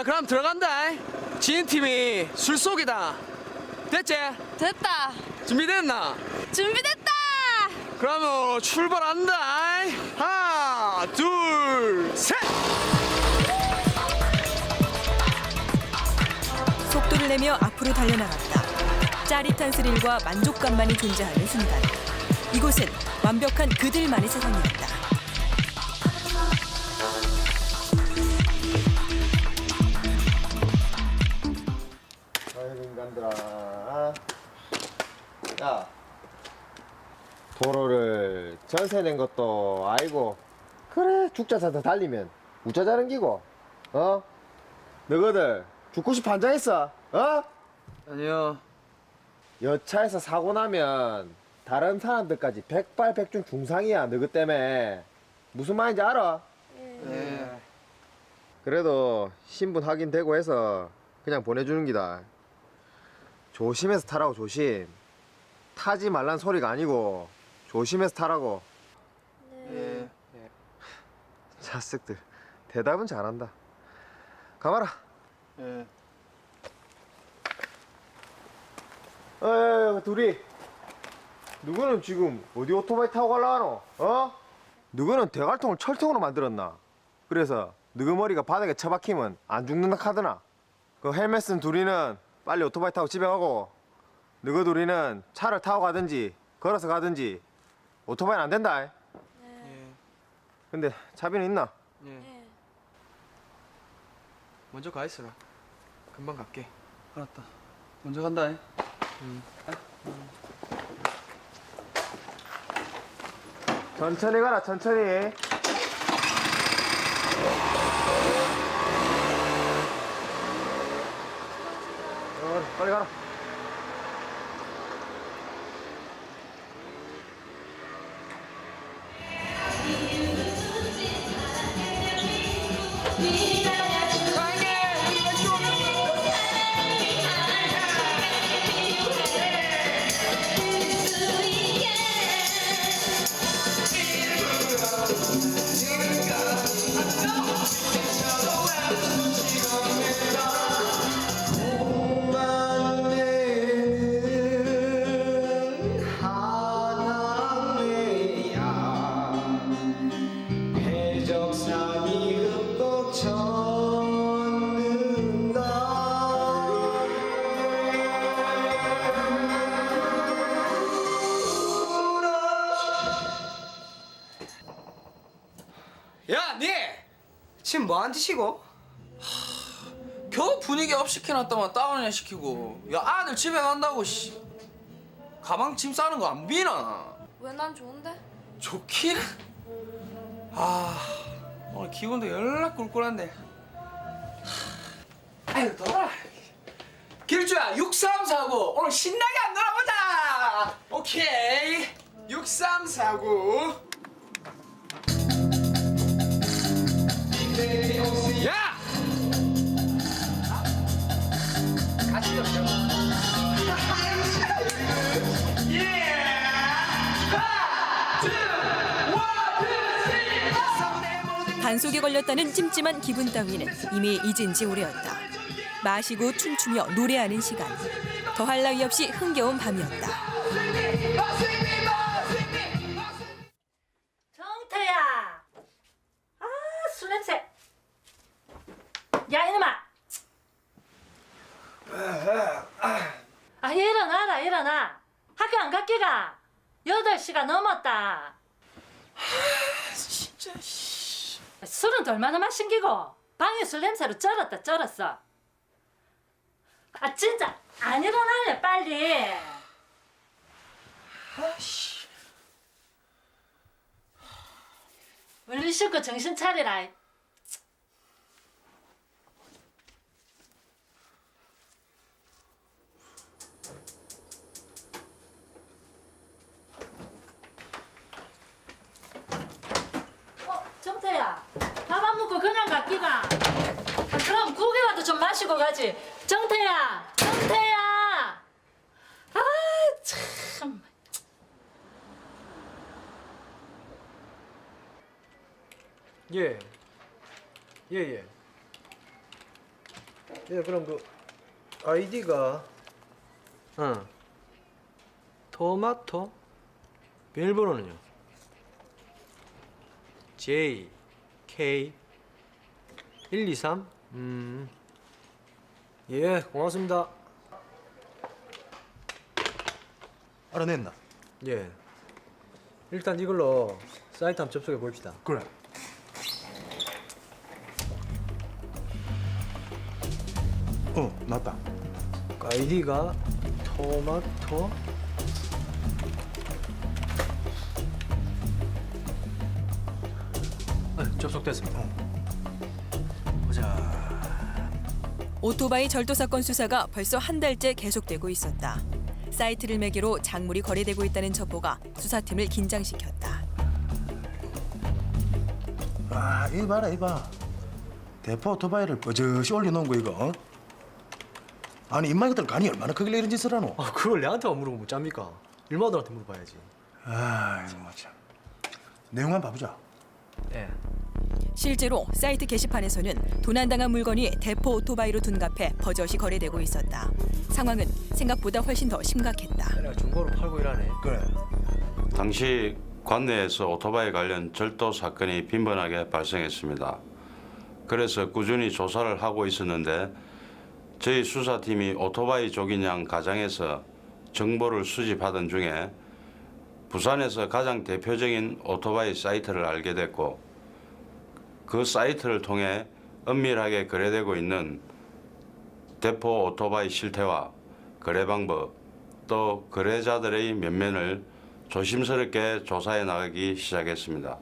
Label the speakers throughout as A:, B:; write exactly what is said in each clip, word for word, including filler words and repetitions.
A: 그럼 들어간다. 지인 팀이 술속이다. 됐지?
B: 됐다.
A: 준비됐나?
B: 준비됐다.
A: 그러면 출발한다. 하나, 둘, 셋.
C: 속도를 내며 앞으로 달려나갔다. 짜릿한 스릴과 만족감만이 존재하는 순간. 이곳은 완벽한 그들만의 세상이었다.
D: 아이고 인간들아. 야, 도로를 전세 낸 것도 아니고 그래 죽자 사다 달리면 우짜자는 기고 어? 너희들 죽고 싶어 한장했어 어?
A: 아니요.
D: 여차에서 사고 나면 다른 사람들까지 백발백중 중상이야 너희 때문에. 무슨 말인지 알아?
A: 네.
D: 그래도 신분 확인되고 해서 그냥 보내주는 기다. 조심해서 타라고. 조심. 타지 말란 소리가 아니고 조심해서 타라고.
A: 예.
D: 자식들 대답은 잘한다. 가봐라.
A: 예.
D: 어, 둘이 누구는 지금 어디 오토바이 타고 갈라노? 어? 누구는 대갈통을 철통으로 만들었나? 그래서 누구 머리가 바닥에 처박히면 안 죽는다 카드나? 그 헬멧 쓴 둘이는 빨리 오토바이 타고 집에 가고, 너희 둘이는 차를 타고 가든지 걸어서 가든지. 오토바이는 안 된다.
A: 예.
D: 근데 차비는 있나?
A: 예. 먼저 가 있어라. 금방 갈게. 알았다. 먼저 간다. 응.
D: 천천히 가라, 천천히. 어, 빨리 가라.
A: 야, 니! 지금 뭐한 짓이고? 겨우 분위기 업 시켜놨다만 다운이나 시키고. 야, 아들 집에 간다고, 씨. 가방 짐 싸는 거 안 비나?
B: 왜 난 좋은데?
A: 좋긴? 아, 오늘 기분도 연락 꿀꿀한데. 아유, 돌아. 길주야, 육삼사구. 오늘 신나게 안 놀아보자! 오케이. 육삼사구. 야! 같이 좀 예!
C: 단속에 걸렸다는 찜찜한 기분 따위는 이미 잊은 지 오래였다. 마시고 춤추며 노래하는 시간. 더할 나위 없이 흥겨운 밤이었다.
E: 정태야! 아, 술 냄새! 야, 이놈아! 아, 일어나라, 일어나! 학교 안 갔기가? 여덟 시가 넘었다.
A: 진짜 씨.
E: 술은 얼마나 마신 기고? 방에 술 냄새로 쩔었다, 쩔었어. 아, 진짜 안 일어나네, 빨리.
A: 아씨.
E: 얼른 씻고 정신 차리라. 어, 정태야, 밥 안 먹고 그냥 갔기가? 아, 그럼 국이라도 좀 마시고 가지. 정태야, 정태야. 아, 참.
A: 예. 예, 예.
F: 예, 그럼 그 아이디가 응. 토마토 비밀번호는요? 제이 케이 일이삼 음. 예, 고맙습니다.
G: 알아냈나?
F: 예. 일단 이걸로 사이트 한번 접속해 봅시다.
G: 그래. 어, 맞다.
F: 아이디가 토마토 아, 접속됐습니다.
G: 보자.
C: 오토바이 절도 사건 수사가 벌써 한 달째 계속되고 있었다. 사이트를 매개로 작물이 거래되고 있다는 첩보가 수사팀을 긴장시켰다.
G: 아, 이 봐라, 이 봐. 대포 오토바이를 버젓이 올려놓은 거 이거. 어? 아니 인마이들 간이 얼마나 크길래 이런 짓을 하노?
F: 아, 그걸 내한테만 물어보면 못 잡니까? 일마들한테 물어봐야지.
G: 아, 이거 참. 내용 한번 봐보자.
F: 예.
C: 실제로 사이트 게시판에서는 도난당한 물건이 대포 오토바이로 둔갑해 버젓이 거래되고 있었다. 상황은 생각보다 훨씬 더 심각했다.
F: 내가 중고로 팔고 일하네.
G: 그래.
H: 당시 관내에서 오토바이 관련 절도 사건이 빈번하게 발생했습니다. 그래서 꾸준히 조사를 하고 있었는데 저희 수사팀이 오토바이 조기냥 가장에서 정보를 수집하던 중에 부산에서 가장 대표적인 오토바이 사이트를 알게 됐고 그 사이트를 통해 은밀하게 거래되고 있는 대포 오토바이 실태와 거래 방법 또 거래자들의 면면을 조심스럽게 조사해 나가기 시작했습니다.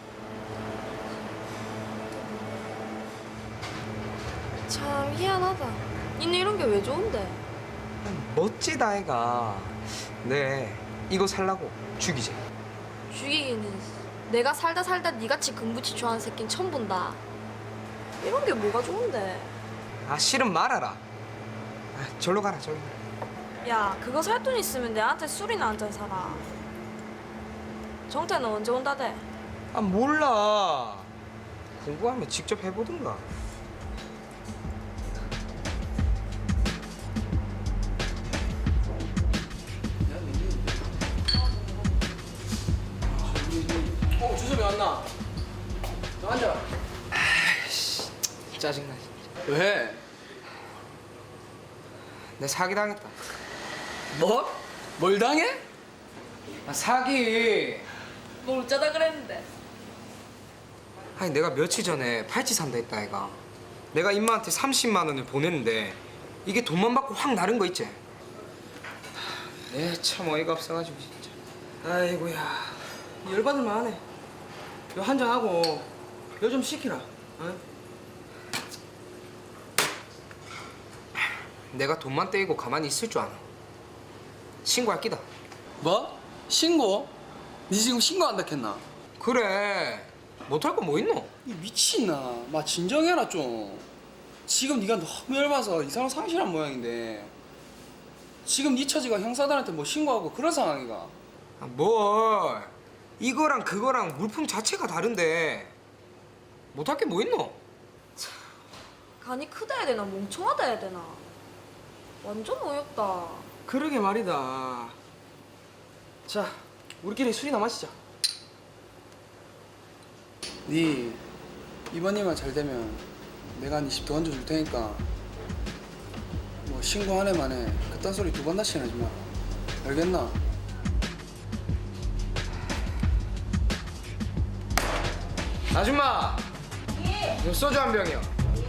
B: 참 희한하다. 니네 이런 게 왜 좋은데?
I: 멋지다 애가. 네 이거 살라고 죽이지.
B: 죽이기는 내가 살다 살다 니같이 금부치 좋아하는 새끼는 처음 본다. 이런 게 뭐가 좋은데?
I: 아 싫으면 말아라. 아, 절로 가라 절로.
B: 야, 그거 살 돈 있으면 내한테 술이나 한잔 사라. 정태는 언제 온다대?
I: 아 몰라. 궁금하면 직접 해보든가.
A: 어, 주섭이 왔나? 너 앉아.
I: 아이씨 짜증나 진짜.
A: 왜?
I: 내 사기 당했다.
A: 뭐? 뭘 당해?
I: 아 사기.
B: 뭘 어쩌다 그랬는데?
I: 아니 내가 며칠 전에 팔찌 산다 했다 애가. 내가 임마한테 삼십만 원을 보냈는데 이게 돈만 받고 확 나른 거 있지? 에참 어이가 없어가지고 진짜. 아이고야 열받을만 하네. 요 한잔 하고 요 좀 시키라. 어? 내가 돈만 떼이고 가만히 있을 줄 아나. 신고할 끼다.
A: 뭐? 신고? 니 지금 신고한다 했나?
I: 그래 못할 거 뭐 있노?
A: 이 미친나. 마 진정해라 좀. 지금 네가 너무 열받아서 이 사람 상실한 모양인데 지금 네 처지가 형사들한테 뭐 신고하고 그런 상황이가.
I: 아, 뭘 이거랑 그거랑 물품 자체가 다른데 못할 게 뭐 있노?
B: 간이 크다 해야 되나 멍청하다 해야 되나? 완전 어이없다.
I: 그러게 말이다. 자 우리끼리 술이나 마시자.
A: 네 이번 일만 잘 되면 내가 네 집 더 얹어줄 테니까 뭐 신고 한 해 만에 그딴 소리 두 번 다시 하지 마. 알겠나?
I: 아줌마. 예. 소주 한 병이요.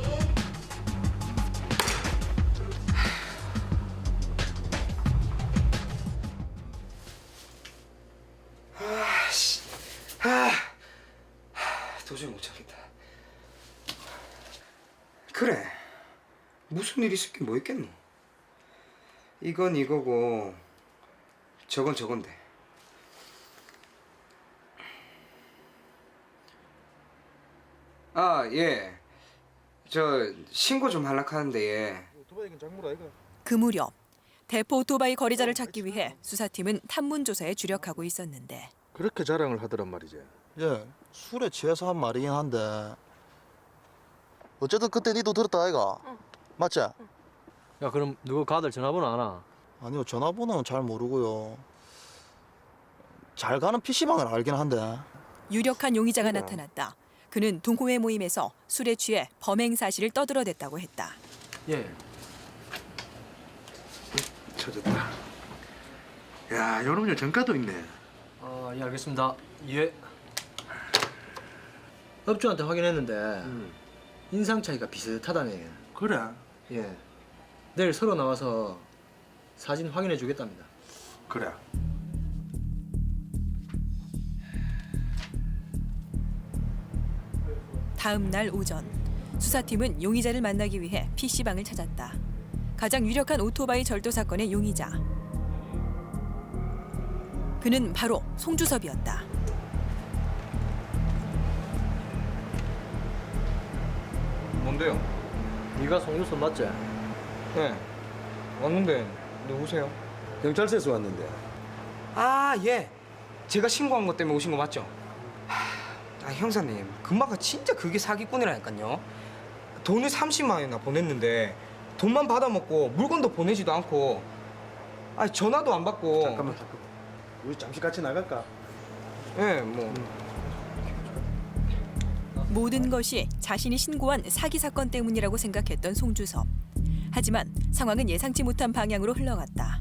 I: 아씨. 아. 도저히 못 참겠다. 그래. 무슨 일 있을 게 뭐 있겠노? 이건 이거고 저건 저건데. 아, 예. 저 신고 좀 하려고 하는데 예.
C: 그 무렵 대포 오토바이 거래자를 찾기 위해 수사팀은 탐문 조사에 주력하고 있었는데
G: 그렇게 자랑을 하더란 말이지.
J: 예, 술에 취해서 한 말이긴 한데 어쨌든 그때 니도 들었다 아이가?
G: 맞지?
F: 야 그럼 누구 가들 전화번호 아나?
G: 아니요, 전화번호는 잘 모르고요. 잘 가는 피시방을 알긴 한데.
C: 유력한 용의자가 나타났다. 그는 동호회 모임에서 술에 취해 범행 사실을 떠들어댔다고 했다.
F: 예.
G: 찾았다. 야, 여름열 전가도 있네.
F: 아, 예 알겠습니다. 예. 업주한테 확인했는데 인상 차이가 비슷하다네.
G: 그래.
F: 예. 내일 서로 나와서 사진 확인해 주겠답니다.
G: 그래.
C: 다음 날 오전 수사팀은 용의자를 만나기 위해 피시방을 찾았다. 가장 유력한 오토바이 절도 사건의 용의자. 그는 바로 송주섭이었다.
I: 뭔데요?
F: 네가 송유선 맞지?
I: 네. 왔는데 누구세요?
G: 경찰서에서 왔는데.
I: 아, 예. 제가 신고한 것 때문에 오신 거 맞죠? 하, 아, 형사님. 금마가 진짜 그게 사기꾼이라니까요. 돈을 삼십만 원이나 보냈는데 돈만 받아먹고 물건도 보내지도 않고 아, 전화도 안 받고
G: 잠깐만, 잠깐만. 우리 잠시 같이 나갈까?
I: 예, 뭐
C: 모든 것이 자신이 신고한 사기 사건 때문이라고 생각했던 송주섭. 하지만 상황은 예상치 못한 방향으로 흘러갔다.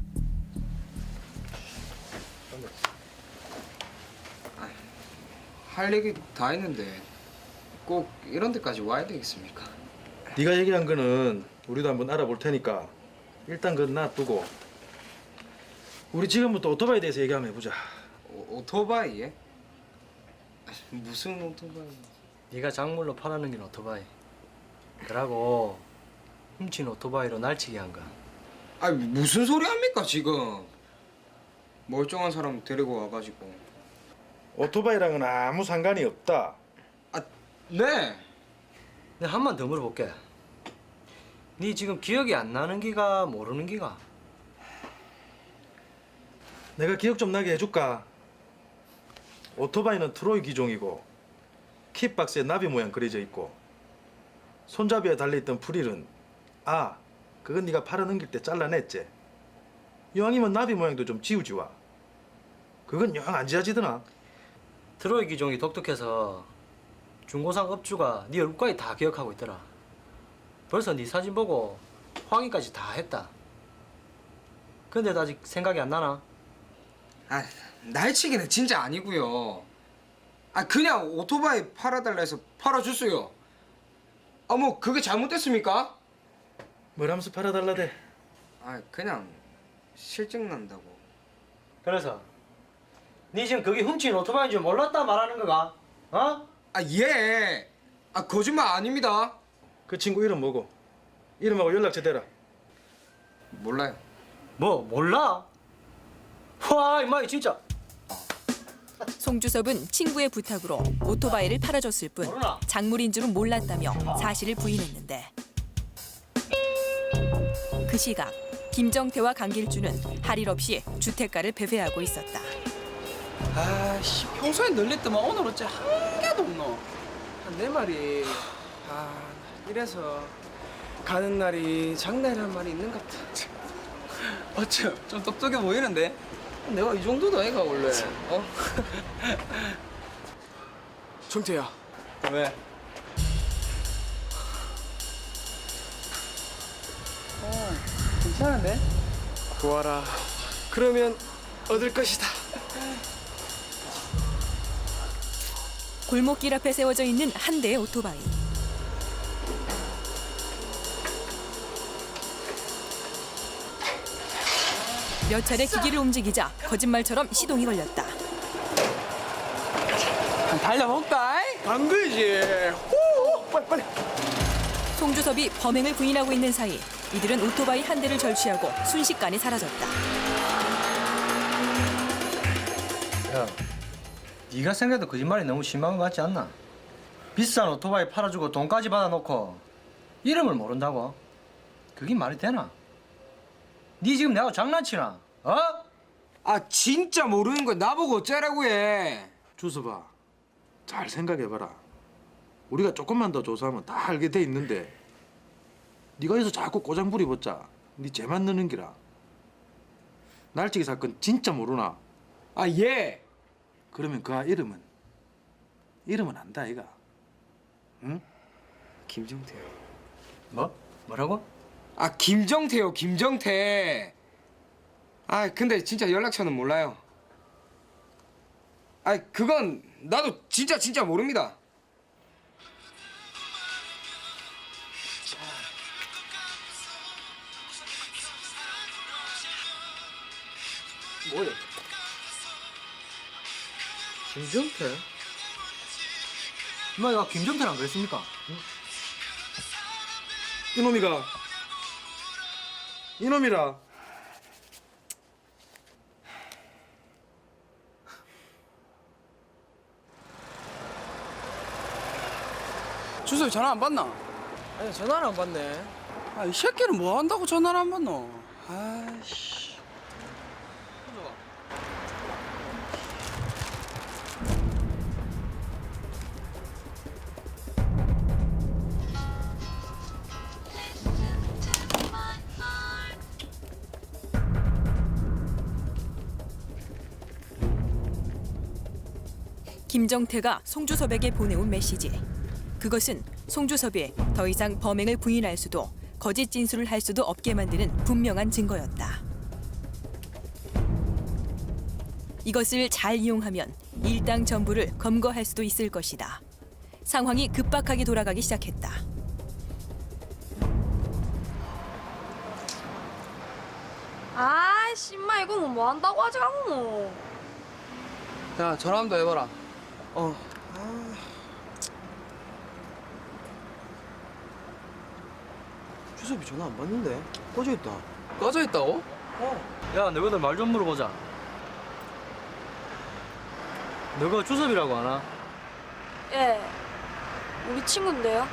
I: 할 얘기 다 했는데 꼭 이런 데까지 와야 되겠습니까?
G: 네가 얘기한 거는 우리도 한번 알아볼 테니까 일단 그건 놔두고 우리 지금부터 오토바이에 대해서 얘기 한번 해보자.
I: 오, 오토바이에? 무슨 오토바이?
F: 네가 작물로 팔아넘긴 오토바이. 그러고 훔친 오토바이로 날치기 한 거.
I: 아, 무슨 소리 합니까 지금? 멀쩡한 사람 데리고 와가지고.
G: 오토바이랑은 아무 상관이 없다.
I: 아, 네.
F: 내가 한 번 더 물어볼게. 네 지금 기억이 안 나는 기가 모르는 기가?
G: 내가 기억 좀 나게 해줄까? 오토바이는 트로이 기종이고 킥박스에 나비 모양 그려져 있고 손잡이에 달려있던 프릴은 아, 그건 네가 팔아넘길 때 잘라냈지? 이왕이면 나비 모양도 좀 지우지 와. 그건 영 안 지워지더나.
F: 트로이 기종이 독특해서 중고상 업주가 네 얼굴까지 다 기억하고 있더라. 벌써 네 사진 보고 확인까지 다 했다. 근데도 아직 생각이 안 나나?
I: 아, 날치기는 진짜 아니고요. 아, 그냥 오토바이 팔아달라 해서 팔아줬어요. 아, 뭐 그게 잘못됐습니까?
G: 뭐라면서 팔아달라대?
I: 아, 그냥 실증 난다고.
F: 그래서 네 지금 그게 훔친 오토바이인 줄 몰랐다 말하는 거가? 어?
I: 아, 예. 아, 거짓말 아닙니다.
G: 그 친구 이름 뭐고? 이름하고 연락처 대라.
I: 몰라요.
F: 뭐 몰라? 와 임마 진짜
C: 송주섭은 친구의 부탁으로 오토바이를 팔아줬을 뿐 작물인 줄은 몰랐다며 사실을 부인했는데 그 시각 김정태와 강길주는 할 일 없이 주택가를 배회하고 있었다.
A: 아씨 평소에 널렸더만 오늘 어째 한 개도 없노. 내 말이 아 이래서 가는 날이 장날이란 말이 있는갑다. 어째 좀 똑똑해 보이는데? 내가 이 정도도 애가 원래. 어? 정태야. 왜? 어 괜찮은데? 고아라. 그러면 얻을 것이다.
C: 골목길 앞에 세워져 있는 한 대의 오토바이. 몇 차례 기기를 움직이자 거짓말처럼 시동이 걸렸다.
A: 달려볼까? 안 그지? 후, 빨리 빨리.
C: 송주섭이 범행을 부인하고 있는 사이 이들은 오토바이 한 대를 절취하고 순식간에 사라졌다.
F: 야 네가 생각해도 거짓말이 너무 심한 것 같지 않나? 비싼 오토바이 팔아주고 돈까지 받아놓고 이름을 모른다고? 그게 말이 되나? 네 지금 내하고 장난치나? 어?
I: 아, 진짜 모르는 걸 나보고 어쩌라고 해.
G: 주서봐, 잘 생각해봐라. 우리가 조금만 더 조사하면 다 알게 돼 있는데 네가 여기서 자꾸 꼬장 부리봤자 네 죄만 넣는 기라. 날치기 사건 진짜 모르나?
I: 아 예.
G: 그러면 그 아 이름은 이름은 안다 아이가. 응?
I: 김정태요.
F: 뭐? 뭐라고?
I: 아 김정태요 김정태. 아 근데 진짜 연락처는 몰라요. 아 그건 나도 진짜 진짜 모릅니다.
F: 뭐야? 김정태? 엄마가 김정태랑 그랬습니까?
G: 이놈이가 이놈이라.
A: 주섭이 전화 안 받나?
I: 아니 전화를 안 받네.
A: 아, 이 새끼는 뭐 한다고 전화를 안 받노? 아이씨.
C: 김정태가 송주섭에게 보내온 메시지. 그것은 송주섭이 더 이상 범행을 부인할 수도 거짓 진술을 할 수도 없게 만드는 분명한 증거였다. 이것을 잘 이용하면 일당 전부를 검거할 수도 있을 것이다. 상황이 급박하게 돌아가기 시작했다.
B: 아이씨 인마 이거는 뭐 한다고 하지 않노.
A: 야, 전화 한번 더 해봐라.
I: 어. 주섭이 전화 안 받는데 꺼져 있다.
A: 꺼져 있다고?
F: 야, 너희들 말 좀 물어보자. 너가 주섭이라고 하나?
B: 예. 우리 친구인데요.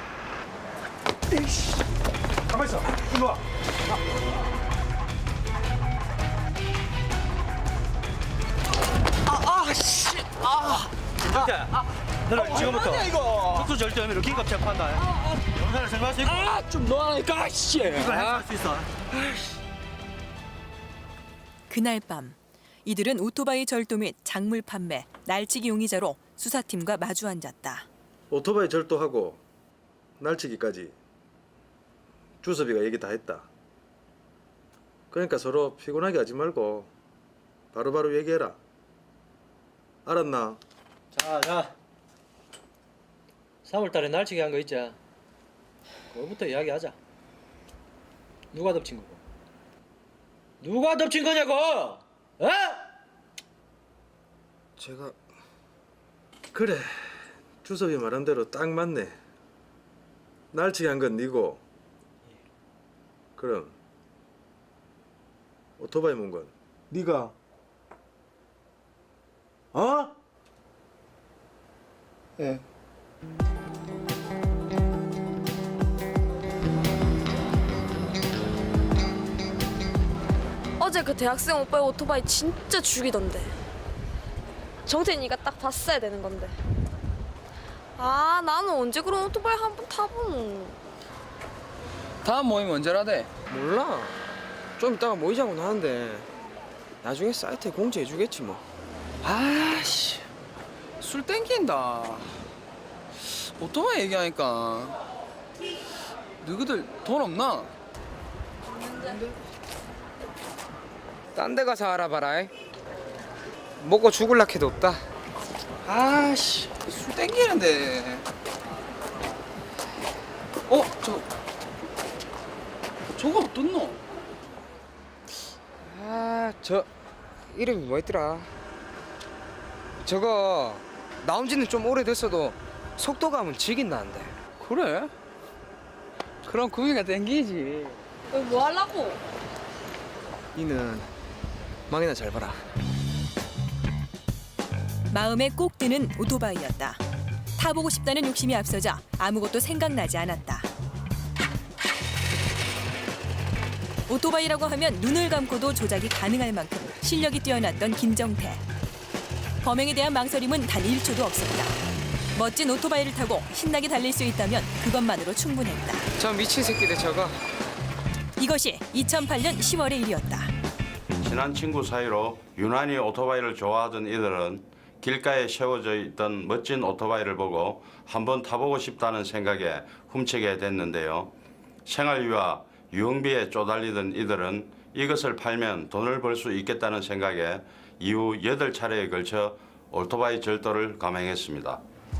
G: 가만 있어. 일로 와.
F: 김정태, 너는 지금부터 특수 절도 혐의로 긴급 체포한다. 영사를 생각할 수 있고
A: 아, 좀 놓아라니까, 씨.
F: 이걸 해결할 수 있어.
C: 그날 밤 이들은 오토바이 절도 및 작물 판매, 날치기 용의자로 수사팀과 마주 앉았다.
G: 오토바이 절도하고 날치기까지 주섭이가 얘기 다 했다. 그러니까 서로 피곤하게 하지 말고 바로바로 얘기해라. 알았나?
F: 자, 자. 삼월달에 날치기 한 거 있지? 그거부터 이야기하자. 누가 덮친 거고? 누가 덮친 거냐고? 어?
I: 제가
G: 그래. 주섭이 말한 대로 딱 맞네. 날치기 한 건 니고. 그럼 오토바이 몬 건 니가. 어?
A: 예.
B: 어제 그 대학생 오빠의 오토바이 진짜 죽이던데. 정태니가 딱 봤어야 되는 건데. 아 나는 언제 그런 오토바이 한 번 타보노.
A: 다음 모임 언제라대?
I: 몰라. 좀 이따가 모이자고 하는데 나중에 사이트에 공지해주겠지 뭐.
A: 아씨, 술 땡긴다. 오토바이 얘기하니까 너희들 돈 없나?
I: 딴 데 가서 알아봐라. 이. 먹고 죽을라 해도 없다.
A: 아씨, 술 땡기는데. 어, 저 저거 어떻노?
I: 아, 저 이름이 뭐였더라? 저거 나온 지는 좀 오래됐어도 속도감은 지긴 나는데.
A: 그래? 그럼 구미가 땡기지.
B: 여기 뭐 하려고?
I: 니는 망이나 잘 봐라.
C: 마음에 꼭 드는 오토바이였다. 타보고 싶다는 욕심이 앞서자 아무것도 생각나지 않았다. 오토바이라고 하면 눈을 감고도 조작이 가능할 만큼 실력이 뛰어났던 김정태. 범행에 대한 망설임은 단 일 초도 없었다. 멋진 오토바이를 타고 신나게 달릴 수 있다면 그것만으로 충분했다.
I: 저 미친 새끼들 저거
C: 이것이 이천팔 년 시월의 일이었다.
H: 친한 친구 사이로 유난히 오토바이를 좋아하던 이들은 길가에 세워져 있던 멋진 오토바이를 보고 한번 타보고 싶다는 생각에 훔치게 됐는데요. 생활비와 유흥비에 쪼달리던 이들은 이것을 팔면 돈을 벌 수 있겠다는 생각에 이후 여덟 차례에 걸쳐 오토바이 절도를 감행했습니다.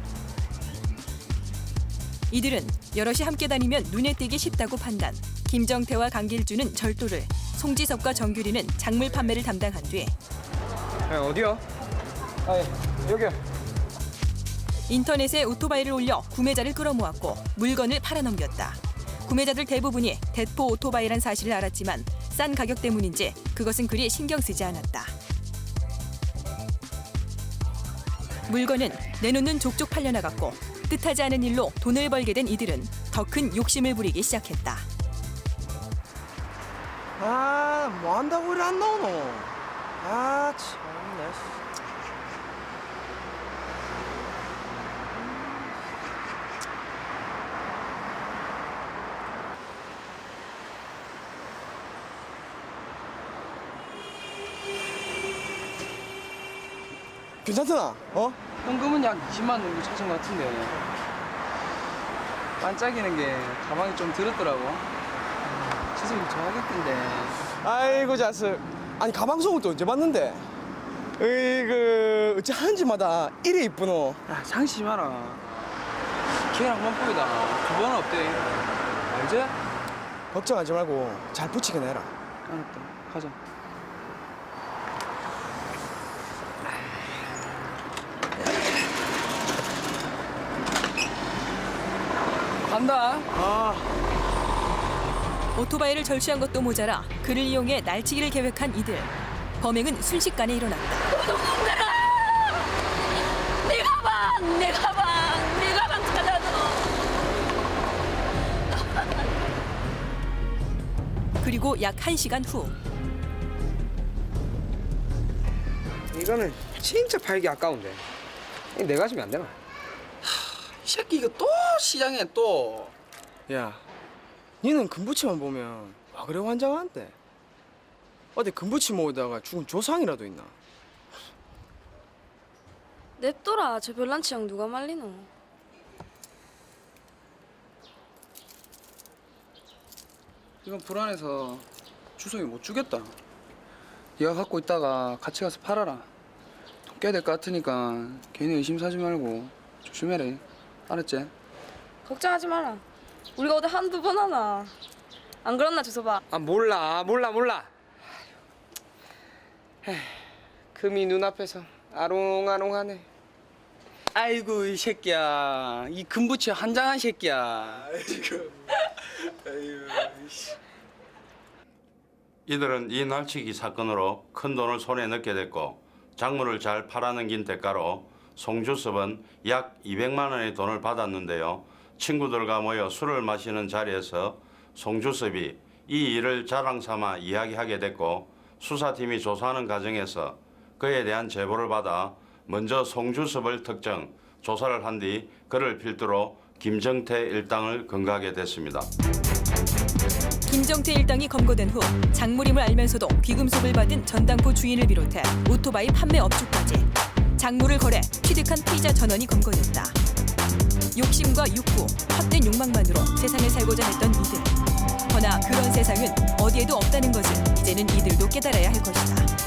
C: 이들은 여럿이 함께 다니면 눈에 띄기 쉽다고 판단. 김정태와 강길주는 절도를, 송지섭과 정규리는 작물 판매를 담당한 뒤
I: 야, 어디요? 아, 예, 여기요.
C: 인터넷에 오토바이를 올려 구매자를 끌어모았고 물건을 팔아넘겼다. 구매자들 대부분이 대포 오토바이란 사실을 알았지만 싼 가격 때문인지 그것은 그리 신경 쓰지 않았다. 물건은 내놓는 족족 팔려나갔고 뜻하지 않은 일로 돈을 벌게 된 이들은 더 큰 욕심을 부리기 시작했다.
I: 아, 뭐 한다고 이래 안 나오노? 아, 참나. 괜찮잖아, 어?
A: 현금은 약 이십만 원 정도 찾은 것 같은데 반짝이는 게 가방이 좀 들었더라고. 지석이 좋아하겠던데.
I: 아이고 자스. 아니 가방 속은 또 언제 봤는데? 으이그 어찌 하는지마다 이래 이쁘노.
A: 야, 장시 마라. 걔랑 만보이다. 두 번은 어때? 알지?
I: 걱정하지 말고 잘 붙이게 내라.
A: 알았다. 가자. 간다.
I: 아,
C: 오토바이를 절취한 것도 모자라 그를 이용해 날치기를 계획한 이들. 범행은 순식간에 일어났다.
B: 도둑놈들아! 내 가방! 내 가방! 내 가방 찾아줘!
C: 그리고 약 한 시간 후
I: 이거는 진짜 팔기 아까운데. 이거 내가 주면 안 되나?
A: 이 새끼 이거 또 시장에 또.
I: 야, 니는 금부치만 보면 와 그래 환장한데. 어디 금부치 모으다가 죽은 조상이라도 있나?
B: 냅둬라. 저 별난 취향 누가 말리노?
A: 이건 불안해서 주성이 못 주겠다. 얘가 갖고 있다가 같이 가서 팔아라. 돈 깨야 될 것 같으니까 괜히 의심 사지 말고 조심해라. 알았지?
B: 걱정하지 마라. 우리가 어디 한두 번 하나. 안 그렇나 주소봐.
I: 아 몰라 몰라 몰라. 에휴, 금이 눈앞에서 아롱아롱하네.
A: 아이고 이 새끼야. 이 금부치 한장한 새끼야.
H: 이들은 이 날치기 사건으로 큰 돈을 손에 넣게 됐고 작물을 잘 팔아넘긴 대가로 송주섭은 약 이백만 원의 돈을 받았는데요. 친구들과 모여 술을 마시는 자리에서 송주섭이 이 일을 자랑 삼아 이야기하게 됐고 수사팀이 조사하는 과정에서 그에 대한 제보를 받아 먼저 송주섭을 특정, 조사를 한 뒤 그를 필두로 김정태 일당을 검거하게 됐습니다.
C: 김정태 일당이 검거된 후 작물임을 알면서도 귀금속을 받은 전당포 주인을 비롯해 오토바이 판매 업주까지 작물을 거래 취득한 피의자 전원이 검거됐다. 욕심과 욕구, 헛된 욕망만으로 세상을 살고자 했던 이들. 허나 그런 세상은 어디에도 없다는 것을 이제는 이들도 깨달아야 할 것이다.